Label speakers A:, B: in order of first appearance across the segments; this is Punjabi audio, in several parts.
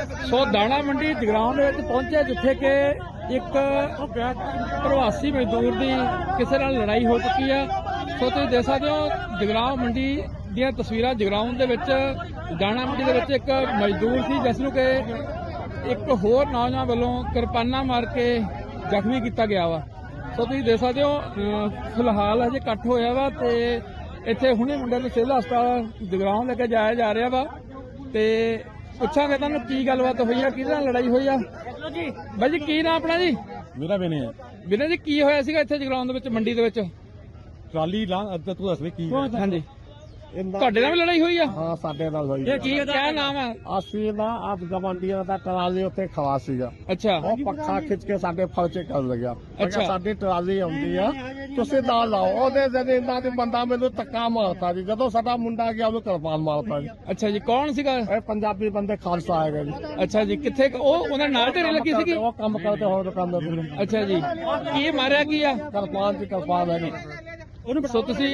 A: ਸੋ ਦਾਣਾ ਮੰਡੀ ਜਗਰਾਉਂ ਦੇ ਵਿੱਚ ਪਹੁੰਚਿਆ, ਜਿੱਥੇ ਕਿ ਇੱਕ ਪ੍ਰਵਾਸੀ ਮਜ਼ਦੂਰ ਦੀ ਕਿਸੇ ਨਾਲ ਲੜਾਈ ਹੋ ਚੁੱਕੀ ਆ। ਸੋ ਤੁਸੀਂ ਦੇਖ ਸਕਦੇ ਹੋ ਜਗਰਾਉਂ ਮੰਡੀ ਦੀਆਂ ਤਸਵੀਰਾਂ। ਜਗਰਾਉਂ ਦੇ ਵਿੱਚ ਦਾਣਾ ਮੰਡੀ ਦੇ ਵਿੱਚ ਇੱਕ ਮਜ਼ਦੂਰ ਸੀ, ਜਿਸ ਨੂੰ ਕਿ ਇੱਕ ਹੋਰ ਨੌਜਵਾਨ ਵੱਲੋਂ ਕਿਰਪਾਨਾਂ ਮਾਰ ਕੇ ਜ਼ਖਮੀ ਕੀਤਾ ਗਿਆ ਵਾ। ਸੋ ਤੁਸੀਂ ਦੇਖ ਸਕਦੇ ਹੋ ਫਿਲਹਾਲ ਹਜੇ ਇਕੱਠ ਹੋਇਆ ਵਾ ਤੇ ਇੱਥੇ ਹੁਣੇ ਮੁੰਡੇ ਨੂੰ ਸਿਵਲ ਹਸਪਤਾਲ ਜਗਰਾਉਂ ਲੈ ਕੇ ਜਾਇਆ ਜਾ ਰਿਹਾ ਵਾ। ਤੇ ਪੁੱਛਾਂਗੇ ਤੁਹਾਨੂੰ ਕੀ ਗੱਲਬਾਤ ਹੋਈ ਆ, ਕਿਹਦੇ ਨਾਲ ਲੜਾਈ ਹੋਈ ਆ। ਬਾਈ ਜੀ ਕੀ ਨਾਮ ਆਪਣਾ ਜੀ?
B: ਮੇਰਾ ਬਿਨੇ ਹੈ।
A: ਵੀਰੇ ਜੀ ਕੀ ਹੋਇਆ ਸੀਗਾ ਇੱਥੇ ਜਗਰਾਉਂ ਦੇ ਵਿੱਚ ਮੰਡੀ ਦੇ ਵਿੱਚ?
B: ਟਰਾਲੀ ਲਾਂ ਤੂੰ ਦੱਸ ਵੀ ਕੀ
A: ਹਾਂਜੀ ਤੁਹਾਡੇ ਨਾਲ ਵੀ ਲੜਾਈ ਹੋਈ ਆ?
B: ਹਾਂ ਸਾਡੇ ਨਾਲ ਹੋਈ।
A: ਇਹ ਕੀ ਕਿਆ ਨਾਮ ਹੈ?
B: ਅਸੀਂ ਨਾ ਆਪ ਗਵੰਡੀਆਂ ਦਾ ਟਰਾਲੀ ਉੱਤੇ ਖਵਾ ਸੀਗਾ।
A: ਅੱਛਾ
B: ਉਹ ਪੱਖਾ ਖਿੱਚ ਕੇ ਸਾਡੇ ਫਰਚੇ ਕਰ ਲੱਗਿਆ।
A: ਅੱਛਾ।
B: ਸਾਡੀ ਟਰਾਲੀ ਆਉਂਦੀ ਆ, ਤੁਸੀਂ ਨਾਲ ਲਾਓ। ਉਹਦੇ ਜਦ ਇਹਨਾਂ ਦੇ ਬੰਦਾ ਮੈਨੂੰ ਧੱਕਾ ਮਾਰਤਾ ਜੀ। ਜਦੋਂ ਸਾਡਾ ਮੁੰਡਾ ਗਿਆ ਉਹਨੂੰ ਕਿਰਪਾਨ ਮਾਰਤਾ ਜੀ।
A: ਅੱਛਾ ਜੀ, ਕੌਣ ਸੀਗਾ?
B: ਇਹ ਪੰਜਾਬੀ ਬੰਦੇ ਖਾਲਸਾ ਆਏਗਾ ਜੀ।
A: ਅੱਛਾ ਜੀ, ਕਿੱਥੇ ਉਹਨਾਂ ਨਾਲ ਢੇਰੀ ਲੱਗੀ ਸੀਗੀ?
B: ਉਹ ਕੰਮ ਕਰਦੇ ਹੋਰ ਦੁਕਾਨਦਾਰ ਦੇ।
A: ਅੱਛਾ ਜੀ, ਕੀ ਮਾਰਿਆ ਕੀ ਆ?
B: ਕਿਰਪਾਨ ਦੀ ਕਿਰਪਾਨ ਹੈ ਜੀ।
A: ਸੋ ਤੁਸੀਂ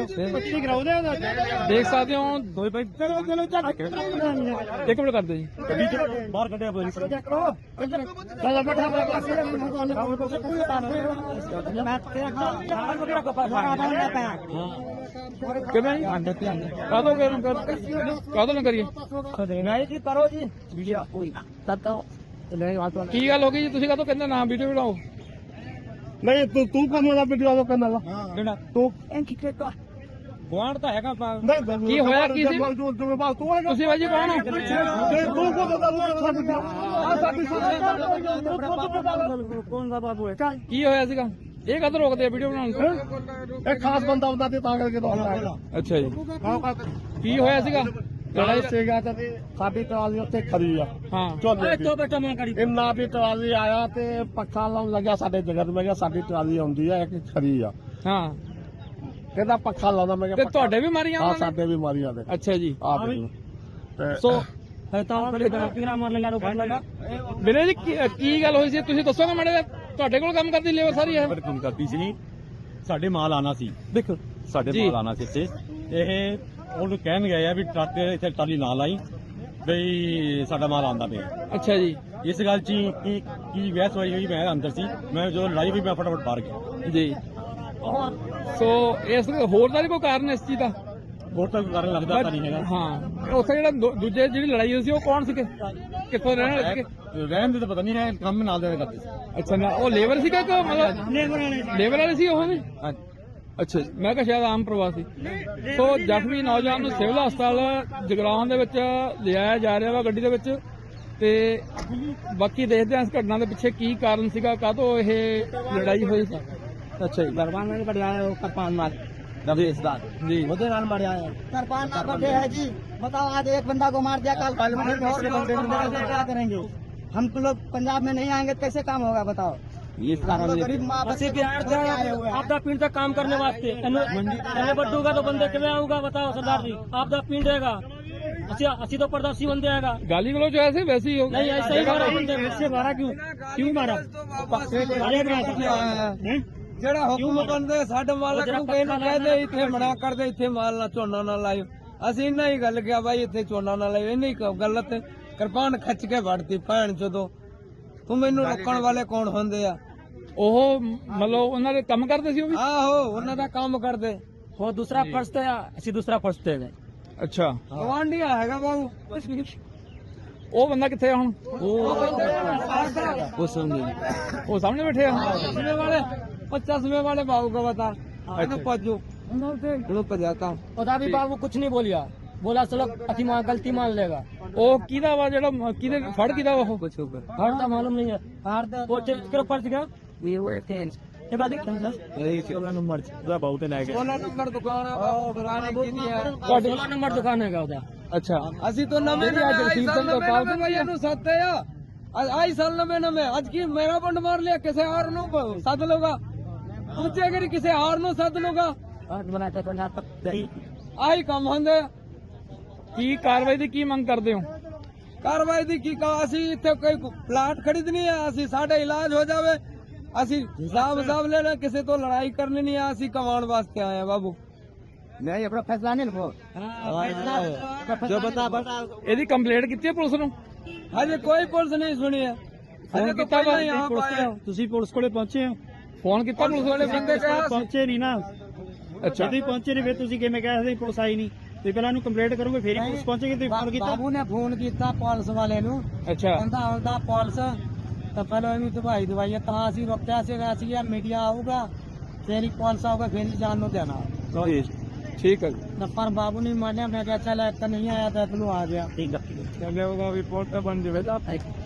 A: ਦੇਖ ਸਕਦੇ ਹੋ ਦੋਏ ਭਾਈ ਇੱਕ ਮਿੰਟ ਕਰਦੇ ਜੀ।
B: ਬਾਹਰ ਕੱਢਿਆ ਪੁਲਿਸ।
A: ਕਿਵੇਂ ਕਾਹਦੋਂ ਨਾ ਕਰੀਏ?
B: ਕਰੋ ਜੀ।
A: ਕੀ ਗੱਲ ਹੋ ਗਈ ਜੀ? ਤੁਸੀਂ ਕਾਹਦੋਂ ਕਹਿੰਦੇ ਨਾ ਵੀਡੀਓ ਬਣਾਓ?
B: ਨਹੀਂ ਤੂੰ ਕੰਮ ਦਾ ਵੀਡੀਓ ਕਰਨਾ ਲਾ ਤੂੰ
A: ਗੁਆਂਢ ਤਾਂ ਹੈਗਾ।
B: ਨਹੀਂ
A: ਕੀ ਹੋਇਆ ਕੀ ਸੀ?
B: ਤੂੰ
A: ਤੁਸੀਂ ਬਾਜੀ ਕੌਣ ਹੋ? ਕੀ ਹੋਇਆ ਸੀਗਾ? ਇਹ ਕਦੋਂ ਰੋਕਦੇ ਆ ਵੀਡੀਓ ਬਣਾਉਣ ਤੋਂ?
B: ਇਹ ਖਾਸ ਬੰਦਾ ਹੁੰਦਾ ਤੇ ਤਾਂ ਕਰਕੇ ਤਾਂ
A: ਅੱਛਾ ਜੀ, ਕੀ ਹੋਇਆ ਸੀਗਾ?
B: ਲੜਾਈ ਸੀਗਾ ਤੇ ਸਾਡੀ ਟਰਾਲੀ ਉੱਥੇ ਖੜੀ ਆ।
A: ਹਾਂ
B: ਇੰਨਾ ਵੀ ਟਰਾਲੀ ਆਇਆ ਤੇ ਪੱਖਾ ਲਾਉਣ ਲੱਗਿਆ ਸਾਡੇ ਜਗਤ। ਮੈਂ ਕਿਹਾ ਸਾਡੀ ਟਰਾਲੀ ਆਉਂਦੀ ਆ ਇੱਕ ਖੜੀ ਆ।
A: ਹਾਂ
B: ਕਹਿੰਦਾ ਪੱਖਾ ਲਾਉਂਦਾ। ਮੈਂ
A: ਤੇ
B: ਕਿਹਾ
A: ਤੁਹਾਡੇ ਵੀ ਮਾਰੀਆਂ
B: ਹਾਂ
A: ਉਹਨਾਂ ਨੇ?
B: ਸਾਡੇ ਵੀ ਮਾਰੀਆਂ ਦੇ।
A: ਅੱਛਾ ਜੀ,
B: ਆ ਦੇਖ ਲਓ। ਤੇ
A: ਸੋ ਵੀਰੇ ਜੀ ਕੀ ਗੱਲ ਹੋਈ ਸੀ? ਤੁਸੀਂ ਦੱਸੋਗੇ ਮਾੜੇ ਜਿਹਾ? ਤੁਹਾਡੇ ਕੋਲ ਕੰਮ ਕਰਦੀ ਲੇਬਰ ਸਾਰੀ ਹੈ?
C: ਕੰਮ ਕਰਦੀ ਸੀ। ਸਾਡੇ ਮਾਲ ਆਣਾ ਸੀ।
A: ਦੇਖੋ
C: ਸਾਡੇ
A: ਜੀ।
C: ਮਾਲ ਆਣਾ ਸੀ ਇੱਥੇ। ਇਹ ਉਹਨੂੰ ਕਹਿਣ ਗਏ ਆ ਵੀ ਟਰੱਕ ਇੱਥੇ ਟਰਾਲੀ ਨਾ ਲਾਈ, ਬਈ ਸਾਡਾ ਮਾਲ ਆਂਦਾ ਪਿਆ।
A: ਅੱਛਾ ਜੀ,
C: ਇਸ ਗੱਲ 'ਚ ਕੀ ਬਹਿਸ ਹੋਈ? ਮੈਂ ਅੰਦਰ ਸੀ। ਮੈਂ ਜਦੋਂ ਲੜਾਈ ਹੋਈ ਮੈਂ ਫਟਾਫਟ ਬਾਹਰ ਗਿਆ
A: ਜੀ। ਸੋ ਇਸ ਹੋਰ ਦਾ ਵੀ ਕੋਈ ਕਾਰਨ ਇਸ ਚੀਜ਼ ਦਾ?
C: ਹੋਰ ਤਾਂ ਕਾਰਨ ਲੱਗਦਾ ਤਾਂ ਨਹੀਂ ਹੈਗਾ।
A: ਹਾਂ, ਉੱਥੇ ਜਿਹੜਾ ਦੂਜੇ ਜਿਹੜੀ ਲੜਾਈ ਹੋਈ ਸੀ ਉਹ ਕੌਣ ਸੀਗੇ? ਕਿੱਥੋਂ ਰਹਿਣ ਵਾਲੇ ਸੀਗੇ?
C: ਰਹਿਣ ਦੇ ਤਾਂ ਪਤਾ ਨਹੀਂ ਹੈ, ਕੰਮ ਨਾਲ ਦੇ ਕਰਦੇ ਸੀ।
A: ਅੱਛਾ ਨਾ ਉਹ ਲੇਬਰ ਸੀਗਾ ਕਿ ਮਤਲਬ ਲੇਬਰ ਵਾਲੇ ਸੀ ਉਹ ਵੀ? ਅੱਛਾ ਜੀ, ਮੈਂ ਕਿਹਾ ਸ਼ਾਇਦ ਆਮ ਪ੍ਰਵਾਸੀ। ਸੋ ਜ਼ਖਮੀ ਨੌਜਵਾਨ ਨੂੰ ਸਿਵਲ ਹਸਪਤਾਲ ਜਗਰਾਉਂ ਦੇ ਵਿੱਚ ਲਿਆਇਆ ਜਾ ਰਿਹਾ ਵਾ ਗੱਡੀ ਦੇ ਵਿੱਚ। ਤੇ ਬਾਕੀ ਦੇਖਦੇ ਹਾਂ ਇਸ ਘਟਨਾ ਦੇ ਪਿੱਛੇ ਕੀ ਕਾਰਨ ਸੀਗਾ, ਕਾਹਤੋਂ ਇਹ ਲੜਾਈ ਹੋਈ ਸੀ। ਅੱਛਾ ਜੀ,
B: ਕਿਰਪਾਨ ਮਾਰ
A: जी
D: सरपंच का बर्थडे है जी। बताओ आज एक बंदा को मार दिया, कल क्या करेंगे? हम तो लोग पंजाब में नहीं आएंगे तो कैसे काम होगा बताओ? गरीब माँ बच्चे
E: आपदा पिंड तक काम करने वास्ते बड्डू का तो बंदे क्यों आऊंगा बताओ सरदार जी? आपदा पिंड रहेगा असी तो प्रदर्शी बन जाएगा।
A: गाली गलौज ऐसे वैसे ही होगा।
E: नहीं ऐसा ही मारा बंदे, वैसे मारा क्यों मारा?
F: ਜਿਹੜਾ ਹੁਕਮ ਬੰਦੇ ਸਾਡੇ ਮਾਲਕ ਨੂੰ ਕਹਿੰਦੇ ਕਹਦੇ ਇੱਥੇ ਮਨਾ ਕਰਦੇ, ਇੱਥੇ ਮਾਲ ਨਾ ਝੋਨਾ ਨਾ ਲਾਇਓ। ਅਸੀਂ ਇੰਨਾ ਹੀ ਗੱਲ ਕਿਹਾ ਬਾਈ ਇੱਥੇ ਝੋਨਾ ਨਾ ਲਾਇਓ। ਇੰਨੀ ਗਲਤ ਕਿਰਪਾਨ ਖੱਚ ਕੇ ਵੜਤੀ ਭੈਣ ਜਦੋਂ। ਤੂੰ ਮੈਨੂੰ ਰੋਕਣ ਵਾਲੇ ਕੌਣ ਹੁੰਦੇ ਆ?
A: ਉਹ ਮਤਲਬ ਉਹਨਾਂ ਦੇ ਕੰਮ ਕਰਦੇ ਸੀ ਉਹ ਵੀ?
F: ਆਹੋ ਉਹਨਾਂ ਦਾ ਕੰਮ ਕਰਦੇ।
E: वो दूसरा फर्श थे, असी दूसरा फर्श थे।
A: ਅੱਛਾ,
F: ਗਵਾਂਢੀਆ ਹੈਗਾ ਬਾਬੂ।
A: ਉਹ ਬੰਦਾ ਕਿੱਥੇ ਆ ਹੁਣ?
F: ਉਹ
A: ਸਾਹਮਣੇ ਬੈਠੇ ਆ।
F: चश्मे वाले 50 वाले बाबू को बता पजू पजाता।
E: उदा भी बाबू कुछ नहीं बोलिया, बोला चलो अति गलती मान लेगा।
A: ਉਹ ਕਿਹਦਾ ਵਾ ਜਿਹੜਾ ਕਿਹਦੇ ਫੜ ਕਿਹਦਾ ਵਾ ਉਹ?
E: हर तो मालूम नहीं है। वो फर्श गया
C: ਬਹੁਤ ਲੈ ਕੇ
F: 16 नंबर दुकान
E: ਤੁਹਾਡੇ 16 ਨੰਬਰ ਦੁਕਾਨ ਹੈਗਾ ਉਹਦਾ।
A: ਅੱਛਾ,
F: ਅਸੀਂ ਤਾਂ ਨਵੇਂ ਇਹਨੂੰ ਸੱਤੇ ਆ। ਆਈ ਸਾਲ ਨਵੇਂ ਅੱਜ ਕੀ ਮੇਰਾ ਬੰਡ ਮਾਰ ਲਿਆ, ਕਿਸੇ ਹੋਰ ਨੂੰ ਸੱਦ ਲਊਗਾ। ਪੁੱਛੇ ਅਗਰ ਕਿਸੇ ਹੋਰ ਨੂੰ ਸੱਦ ਲਊਗਾ। ਆਹੀ ਕੰਮ ਹੁੰਦੇ।
A: ਕੀ ਕਾਰਵਾਈ ਦੀ ਕੀ ਮੰਗ ਕਰਦੇ ਹੋ?
F: ਕਾਰਵਾਈ ਦੀ ਕੀ ਕਹਾ? ਅਸੀਂ ਇੱਥੇ ਕੋਈ ਪਲਾਟ ਖਰੀਦਣੀ ਆ, ਅਸੀਂ ਸਾਡਾ ਇਲਾਜ ਹੋ ਜਾਵੇ। ਅਸੀਂ ਹਿਸਾਬ ਲੈਣਾ, ਕਿਸੇ ਤੋਂ ਲੜਾਈ ਕਰਨੀ ਨਹੀਂ ਆ। ਅਸੀਂ ਕਮਾਉਣ ਵਾਸਤੇ ਆਏ ਆ ਬਾਬੂ।
D: नहीं अपना फैसला नहीं लो।
A: ਇਹਦੀ ਕੰਪਲੇਂਟ ਕੀਤੀ ਹੈ ਪੁਲਿਸ ਨੂੰ?
F: ਹਜੇ ਕੋਈ ਪੁਲਿਸ ਨਹੀਂ ਸੁਣੀ ਹੈ। ਹਜੇ ਤਾਂ ਪਹਿਲਾਂ ਹੀ ਆਪ ਆਏ।
E: ਤੁਸੀਂ ਪੁਲਿਸ ਕੋਲੇ ਪਹੁੰਚੇ ਹੋ?
A: ਫੋਨ ਕੀਤਾ ਪੁਲਿਸ ਵਾਲੇ ਬੰਦੇ
E: ਪਹੁੰਚੇ ਨਹੀਂ ਨਾ।
A: ਅੱਛਾ
E: ਤੁਸੀਂ ਪਹੁੰਚੇ ਨਹੀਂ, ਫਿਰ ਤੁਸੀਂ ਕਿਵੇਂ ਕਹਿ ਸਕਦੇ ਪੁਲਿਸ ਆਈ ਨਹੀਂ? ਤੁਸੀਂ ਪਹਿਲਾਂ ਇਹਨੂੰ ਕੰਪਲੇਂਟ ਕਰੋਗੇ, ਫਿਰ ਹੀ ਪੁਲਿਸ ਪਹੁੰਚੇਗੀ। ਤੁਸੀਂ ਫੋਨ ਕੀਤਾ?
F: ਬਾਬੂ ਨੇ ਫੋਨ ਕੀਤਾ ਪੁਲਿਸ ਵਾਲੇ ਨੂੰ,
A: ਅੱਛਾ
F: ਕਹਿੰਦਾ ਆਉਂਦਾ ਪੁਲਿਸ ਤਾਂ ਪਹਿਲਾਂ ਇਹਨੂੰ ਦਵਾਈ ਤਾਂ ਅਸੀਂ ਰੁਕਿਆ ਸੀਗਾ, ਅਸੀਂ ਕਿਹਾ ਮੀਡੀਆ ਆਊਗਾ ਫਿਰ ਹੀ ਪੁਲਿਸ ਆਊਗਾ, ਫਿਰ ਹੀ ਜਾਣ ਨੂੰ ਦੇਣਾ।
A: ਠੀਕ ਹੈ ਜੀ।
F: ਤਾਂ ਪਰ ਬਾਬੂ ਨੇ ਮੰਨਿਆ। ਮੈਂ ਕਿਹਾ ਚੱਲ ਇੱਕ ਨਹੀਂ ਆਇਆ ਤਾਂ ਤੈਨੂੰ ਆ ਗਿਆ।
E: ਠੀਕ ਹੈ।
F: ਚੱਲੇ ਉਹਦਾ ਵੀ ਪੁਲਿਸ ਬਣ ਜਾਵੇ ਤਾਂ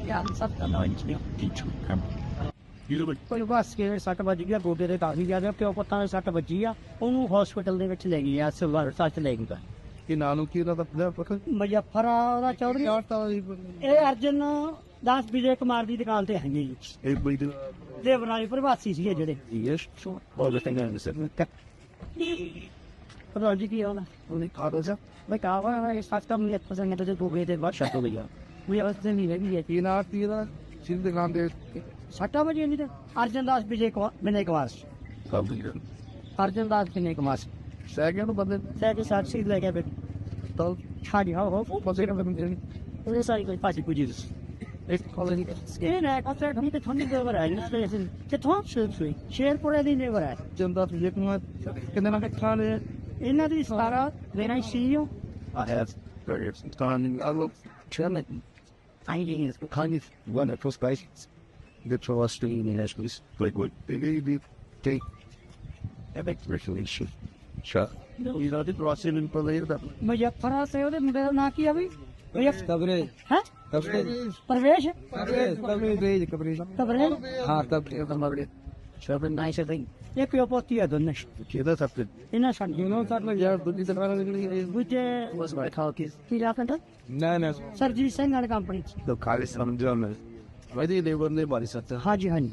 E: ਕੋਈ ਬਸ ਕੇ 60 ਵੱਜ ਗਿਆ, ਗੋਡੇ ਦੇ ਕਾਫੀ ਜ਼ਿਆਦਾ, ਪਿਓ ਪੁੱਤਾਂ ਦੇ 60 ਵੱਜੀ ਆ। ਉਹਨੂੰ ਹਸਪੀਟਲ ਦੇ ਵਿੱਚ ਲੈ ਗਏ ਆ, ਸਿਵਲ ਸੱਚ ਲੈ ਗਏ।
B: ਕਿ ਨਾਂ ਨੂੰ ਕੀ ਉਹਦਾ ਪਤਾ
E: ਮੁਜ਼ੱਫਰ ਆ ਉਹਦਾ ਚੌਧਰੀ। ਇਹ ਅਰਜਨ ਦਾਸ ਵਿਜੇ ਕੁਮਾਰ ਦੀ ਦੁਕਾਨ ਤੇ ਹੈਗੇ ਜੀ।
B: ਇਹ ਬਈ ਦੇ
E: ਦੇਵਨਾਲੀ ਪ੍ਰਵਾਸੀ ਸੀਗੇ ਜਿਹੜੇ।
B: ਯੈਸ ਉਹ ਦੇ ਥਿੰਗ ਇਨ ਦ
E: ਪਤਾ ਜੀ ਕੀ ਹੋਣਾ
B: ਉਹਨੇ ਕਾਹਦਾ ਜਾ
E: ਮੈਂ ਕਹਾਂ ਇਹ ਸੱਚਾ ਮੈਨੂੰ ਪਸੰਦ ਹੈ ਤੇ ਗੋਡੇ ਦੇ ਬਾਅਦ ਸ਼ੱਕ ਹੋ ਗਿਆ। ਵੀ ਉਸ ਦਿਨ ਹੀ ਹੈਗੀ ਹੈ
B: ਕੀ ਨਾਂ ਕੀ ਦਾ ਸਿਰ ਦੇ ਨਾਮ ਦੇ
E: 60 ਵਜੇ ਨਹੀਂ ਤੇ ਅਰਜਨ ਦਾਸ ਵਿਜੇ ਕੁਮਾਰ
B: ਸਭ ਦੀ
E: ਅਰਜਨ ਦਾਸ ਵਿਜੇ ਕੁਮਾਰ
B: ਸੈਕਿੰਡ ਬੰਦੇ
E: ਸਹਿ ਕੇ ਸਾਥ ਸੀ ਲੈ ਕੇ ਬੈਠ
B: ਤਾਂ
E: ਛਾੜੀ ਹੋ
B: ਬਸੇ ਨਾ ਬੰਦੇ
E: ਉਹਨੇ ਸਾਰੀ ਕੋਈ ਪਾਸੀ ਪੁੱਜੀ ਦਿਸ
B: ਇੱਕ ਕਾਲਨੀ
E: ਇਹ ਨਾ ਕਸਰ ਨਹੀਂ ਤੇ ਤੁਹਾਨੂੰ ਦੇ ਵਰ ਆਈ ਸਟੇਸ਼ਨ ਤੇ ਤੁਹਾਨੂੰ ਸ਼ੇਰਪੁਰੇ ਦੀ ਨੇ ਵਰ ਹੈ
B: ਜੰਦਾ ਤੁਝੇ ਨੂੰ ਕਿੰਨੇ ਨਾ ਖਾ ਲੈ
E: ਇਹਨਾਂ ਦੀ ਸਾਰਾ when I see you
B: I have various time I look German
E: finding is
B: kind of one of those places good for us to eat in as we like what they take epic resolution sure you know the process in believe that
E: ਮੁਜ਼ੱਫਰਾ ਸੇ ਉਹਦੇ ਮੁੰਡੇ ਦਾ ਨਾਂ ਕੀ ਆ ਵੀ
F: ਕਬਰੇ
E: ਹੈ ਪਰਵੇਸ਼
F: ਕਬਰੇ
E: ਕਬਰੇ
B: ਹਾਂ ਤਬ ਇਹ ਤਾਂ ਮਗਰੇ
E: ਸ਼ਬਦ ਨਾਈਸ ਥਿੰਗ ਇਹ ਪਿਓ ਪੋਤੀ ਆ ਦੋਨੇ
B: ਕਿਹਦਾ ਸਭ ਤੇ
E: ਇਹਨਾਂ ਸਾਨੂੰ
B: you know that like ਯਾਰ ਦੁੱਧ ਦੀ ਤਰ੍ਹਾਂ ਨਿਕਲੀ
E: which
B: was my call kids
E: ਕੀ ਲਾਫਨ
B: ਨਾ ਨਾ
E: ਸਰਜੀਤ ਸਿੰਘ ਵਾਲੀ company
B: the call is from German ਵੈਸੇ ਦੇ ਬੰਦੇ ਬਾਰੀ ਸੱਤ
E: ਹਾਂਜੀ ਹਾਂਜੀ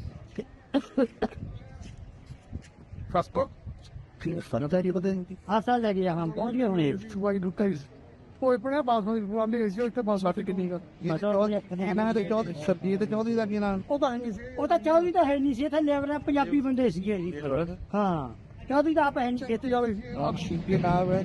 B: ਫਾਸਟ ਕਿ ਫਨ ਤਾਂ ਇਹ ਬਦੇ
E: ਆਸਾ ਲੈ ਗਿਆ ਹਮ ਪਹੁੰਚ ਗਏ ਹੁਣੇ
B: ਵਾਈ ਦੁੱਕਾ ਕੋਈ ਪੜਾ ਬਾਸ ਨੂੰ ਪ੍ਰੋਬਲਮ ਹੈ ਇੱਥੇ ਬਾਸ ਆਫਿਕ ਨਹੀਂ ਕਰ ਇਹਨਾਂ ਦੇ ਚੌਥ ਸਰਦੀ ਤੇ ਚੌਥੀ ਦਾ ਕੀ ਨਾਮ
E: ਉਹ ਤਾਂ ਚੌਧਰੀ ਤਾਂ ਹੈ ਨਹੀਂ ਸੀ, ਇੱਥੇ ਲੇਬਰ ਪੰਜਾਬੀ ਬੰਦੇ ਸੀਗੇ ਜੀ। ਹਾਂ ਚੌਧਰੀ ਤਾਂ ਆਪ ਹੈ ਨਹੀਂ ਇੱਥੇ ਜਾਵੇ
B: ਆਪ ਸ਼ੀਪੀ ਨਾਮ ਹੈ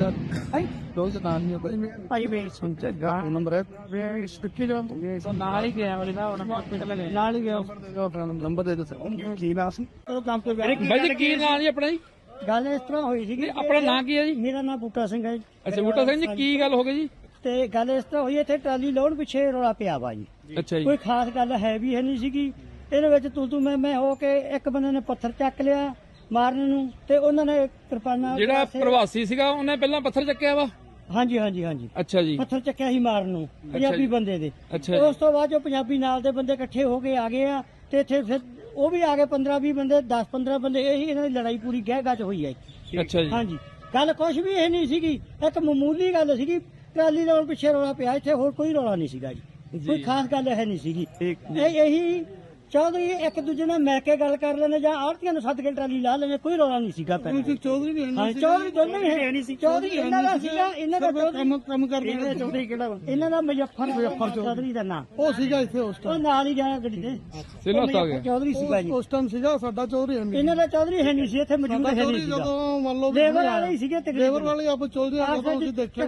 E: ਹੈ
B: ਦੋਸ ਨਾਮ ਨਹੀਂ ਕੋਈ
E: ਭਾਈ ਵੇ
B: ਸੁਣ ਤੇ ਗਾ ਨੰਬਰ ਹੈ
E: ਵੇ ਸਟਿੱਕੀ ਦਾ ਨਾਲ ਹੀ ਗਿਆ ਉਹਦੇ ਨਾਲ ਹਸਪੀਟਲ ਨਾਲ ਹੀ ਗਿਆ
B: ਨੰਬਰ ਦੇ ਦੋ ਕੀ ਨਾਮ ਸੀ
E: ਉਹ ਕੰਮ ਤੋਂ ਗਿਆ।
A: ਬਾਈ ਜੀ ਕੀ ਨਾਂ ਜੀ ਆਪਣਾ ਜੀ?
E: ਗੱਲ ਇਸ ਤਰ੍ਹਾਂ ਹੋਈ ਸੀਗੀ।
A: ਆਪਣਾ ਨਾਂ ਕੀ ਹੈ ਜੀ?
E: ਮੇਰਾ ਨਾਮ ਬੂਟਾ ਸਿੰਘ ਹੈ ਜੀ।
A: ਅੱਛਾ ਬੂਟਾ ਸਿੰਘ ਜੀ ਕੀ ਗੱਲ ਹੋ ਗਈ ਜੀ?
E: ਤੇ ਗੱਲ ਇਸ ਤਰ੍ਹਾਂ ਹੋਈ, ਇੱਥੇ ਟਰਾਲੀ ਲਾਉਣ ਪਿੱਛੇ ਰੌਲਾ ਪਿਆ ਵਾ ਜੀ।
A: ਅੱਛਾ ਜੀ
E: ਕੋਈ ਖਾਸ ਗੱਲ ਹੈ ਵੀ ਹੈ ਨਹੀਂ ਸੀਗੀ ਇਹਦੇ ਵਿੱਚ। ਤੂੰ ਮੈਂ ਹੋ ਕੇ ਇੱਕ ਬੰਦੇ ਨੇ ਪੱਥਰ ਚੱਕ ਲਿਆ ਮਾਰਨ ਨੂੰ, ਤੇ ਉਹਨਾਂ ਨੇ ਕਿਰਪਾਨਾਂ
A: ਜਿਹੜਾ ਪ੍ਰਵਾਸੀ ਸੀਗਾ ਉਹਨੇ ਪਹਿਲਾਂ ਪੱਥਰ ਚੱਕਿਆ ਵਾ?
E: ਹਾਂਜੀ ਹਾਂਜੀ ਹਾਂਜੀ
A: ਅੱਛਾ ਜੀ
E: ਪੱਥਰ ਚੱਕਿਆ ਸੀ ਮਾਰਨ ਨੂੰ ਪੰਜਾਬੀ ਬੰਦੇ ਦੇ।
A: ਅੱਛਾ ਜੀ।
E: ਉਸ ਤੋਂ ਬਾਅਦ ਜੋ ਪੰਜਾਬੀ ਨਾਲ ਦੇ ਬੰਦੇ ਇਕੱਠੇ ਹੋ ਕੇ ਆ ਗਏ ਆ ਤੇ ਇੱਥੇ ਫਿਰ ਉਹ ਵੀ ਆ ਗਏ 15-20 ਬੰਦੇ 10-15 ਬੰਦੇ। ਇਹੀ ਇਹਨਾਂ ਦੀ ਲੜਾਈ ਪੂਰੀ ਗਹਿ ਗੱਜ ਹੋਈ ਹੈ।
A: ਅੱਛਾ ਜੀ
E: ਹਾਂਜੀ ਗੱਲ ਕੁਛ ਵੀ ਇਹ ਨਹੀਂ ਸੀਗੀ, ਇੱਕ ਮਾਮੂਲੀ ਗੱਲ ਸੀਗੀ। ਟਰਾਲੀ ਲਾਉਣ ਪਿੱਛੇ ਰੌਲਾ ਪਿਆ, ਇੱਥੇ ਹੋਰ ਕੋਈ ਰੌਲਾ ਨਹੀਂ ਸੀਗਾ ਜੀ। ਕੋਈ ਖਾਸ ਗੱਲ ਹੈ ਨਹੀਂ ਸੀਗੀ। ਇਹੀ ਚੌਧਰੀ ਇੱਕ ਦੂਜੇ ਨਾਲ ਮਿਲ ਕੇ ਗੱਲ ਕਰ ਲੈਣੇ ਜਾਂ ਆੜਤੀਆਂ ਨੂੰ ਸੱਦ ਕੇ ਟਰਾਲੀ ਲਾ ਲੈਣੇ, ਕੋਈ ਰੌਲਾ ਨਹੀਂ ਸੀਗਾ ਪਹਿਲਾਂ।
F: ਚੌਧਰੀ ਵੀ
E: ਹਾਂ ਚੌਧਰੀ ਦੋਨੇ ਹੀ ਹੈ ਨਹੀਂ ਸੀ। ਚੌਧਰੀ ਇਹਨਾਂ ਦਾ ਸੀਗਾ, ਇਹਨਾਂ ਦਾ ਕੰਮ ਕਰਦੇ। ਚੌਧਰੀ ਕਿਹੜਾ ਇਹਨਾਂ ਦਾ ਮੁਜ਼ੱਫਰ ਚੌਧਰੀ ਦਾ ਨਾਂ
F: ਉਹ ਸੀਗਾ ਇੱਥੇ ਉਸ
E: ਉਹ ਨਾਲ ਹੀ ਜਾਇਆ ਗੱਡੀ ਤੇ
A: ਸਿਲੋ ਆ ਗਿਆ
E: ਚੌਧਰੀ ਸੀਗਾ ਜੀ।
F: ਉਸ ਟਾਈਮ ਸੀਗਾ ਸਾਡਾ ਚੌਧਰੀ
E: ਇਹਨਾਂ ਦਾ ਚੌਧਰੀ ਹੈ ਨਹੀਂ ਸੀ, ਇੱਥੇ ਮੌਜੂਦ ਹੈ ਨਹੀਂ ਸੀਗਾ।
F: ਜਦੋਂ ਮੰਨ ਲਓ
E: ਲੇਬਰ ਵਾਲੇ ਹੀ ਸੀਗੇ ਤਕਰੀਬਨ।
F: ਲੇਬਰ ਵਾਲੇ ਆਪਾਂ ਚੌਧਰੀ ਜਦੋਂ ਅਸੀਂ ਦੇਖਿਆ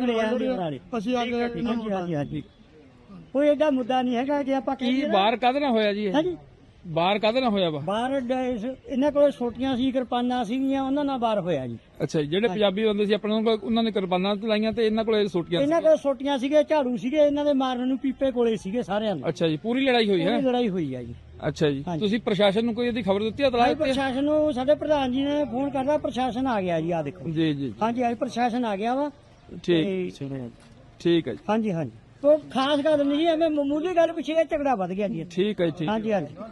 F: ਅਸੀਂ ਆ ਗਏ।
E: ਹਾਂਜੀ ਹਾਂਜੀ ਹਾਂਜੀ ਕੋਈ ਏਡਾ ਮੁੱਦਾ ਨਹੀਂ ਹੈਗਾ ਜੇ ਆਪਾਂ
A: ਕੀ ਬਾਹਰ ਕਾਹਦੇ ਨਾਲ ਹੋਇਆ ਜੀ ਇਹ?
E: ਹਾਂਜੀ
A: ਬਾਹਰ ਕਾਹਦੇ ਨਾਲ ਹੋਇਆ ਵਾ?
E: ਬਾਹਰ ਇਹਨਾਂ ਕੋਲ ਛੋਟੀਆਂ ਸੀ, ਕਿਰਪਾਨਾਂ ਸੀਗੀਆਂ, ਉਹਨਾਂ ਨਾਲ ਬਾਹਰ ਹੋਇਆ ਜੀ।
A: ਅੱਛਾ ਜੀ ਜਿਹੜੇ ਪੰਜਾਬੀ ਬੰਦੇ ਸੀ ਆਪਣੇ ਕੋਲ ਉਹਨਾਂ ਨੇ ਕਿਰਪਾਨਾਂ ਚਲਾਈਆਂ ਤੇ ਇਹਨਾਂ ਕੋਲ ਸੋਟੀਆਂ
E: ਇਹਨਾਂ ਕੋਲ ਛੋਟੀਆਂ ਸੀਗੇ, ਝਾੜੂ ਸੀਗੇ, ਇਹਨਾਂ ਦੇ ਮਾਰਨ ਨੂੰ ਪੀਪੇ ਕੋਲੇ ਸੀਗੇ ਸਾਰਿਆਂ ਦੇ।
A: ਅੱਛਾ ਜੀ ਪੂਰੀ ਲੜਾਈ ਹੋਈ ਹੈ?
E: ਪੂਰੀ ਲੜਾਈ ਹੋਈ ਹੈ ਜੀ।
A: ਅੱਛਾ ਜੀ
E: ਹਾਂਜੀ।
A: ਤੁਸੀਂ ਪ੍ਰਸ਼ਾਸਨ ਨੂੰ ਕੋਈ ਇਹਦੀ ਖਬਰ ਦਿੱਤੀ, ਇਤਲਾਹ
E: ਭਾਈ
A: ਦਿੱਤੀ ਹੈ?
E: ਪ੍ਰਸ਼ਾਸਨ ਨੂੰ ਸਾਡੇ ਪ੍ਰਧਾਨ ਜੀ ਨੇ ਫੋਨ ਕਰਦਾ, ਪ੍ਰਸ਼ਾਸਨ ਆ ਗਿਆ ਜੀ। ਆ ਦੇਖੋ
A: ਜੀ ਜੀ
E: ਹਾਂਜੀ ਅੱਜ ਪ੍ਰਸ਼ਾਸਨ ਆ ਗਿਆ ਵਾ।
A: ਠੀਕ ਠੀਕ ਹੈ ਜੀ
E: ਹਾਂਜੀ ਹਾਂਜੀ ਕੋਈ ਖਾਸ ਗੱਲ ਨਹੀਂ ਜੀ, ਐਵੇਂ ਮਾਮੂਲੀ ਗੱਲ ਪਿੱਛੇ ਇਹ ਝਗੜਾ ਵੱਧ ਗਿਆ ਜੀ।
A: ਠੀਕ ਹੈ ਜੀ ਠੀਕ
E: ਹਾਂਜੀ ਹਾਂਜੀ